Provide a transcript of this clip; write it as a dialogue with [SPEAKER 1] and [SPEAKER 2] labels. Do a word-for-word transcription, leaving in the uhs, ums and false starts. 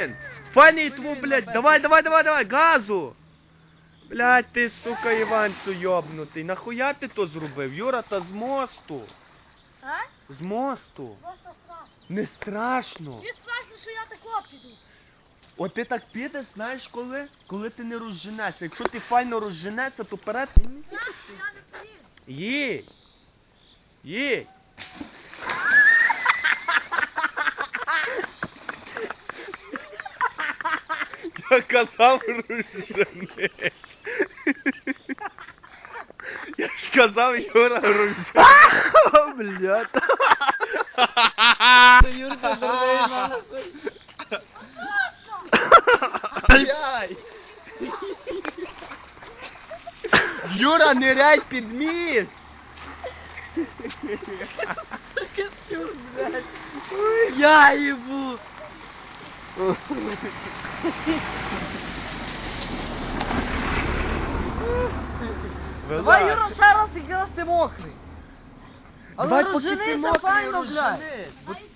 [SPEAKER 1] блін. Файний тву, блядь, давай, давай, давай, давай, газу. Блядь, ти, сука, Іванцю йобнутий. Нахуя ти то зробив? Юра, та з мосту.
[SPEAKER 2] А?
[SPEAKER 1] З мосту.
[SPEAKER 2] Просто страшно.
[SPEAKER 1] Не страшно.
[SPEAKER 2] Мені страшно, що я тако піду.
[SPEAKER 1] От ти так підеш, знаєш коли? Коли ти не розженешся. Якщо ти файно розженешся, то перед ти не
[SPEAKER 2] Страшно, я не поїду.
[SPEAKER 1] Їдь. Їдь. Я казав розженець. Я ж казав, Юра, розженець. Блядь.
[SPEAKER 3] Юрка, дурний, нахуй.
[SPEAKER 1] Блядь. Юра, ниряй під міст.
[SPEAKER 3] Сука, щур, блядь. Я їбу. Давай, Юра, ще раз, який раз ти мокрий. Але
[SPEAKER 1] Давай, поки ти
[SPEAKER 3] розженися
[SPEAKER 1] мокрий,
[SPEAKER 3] файно, блядь.
[SPEAKER 1] розженись. Бо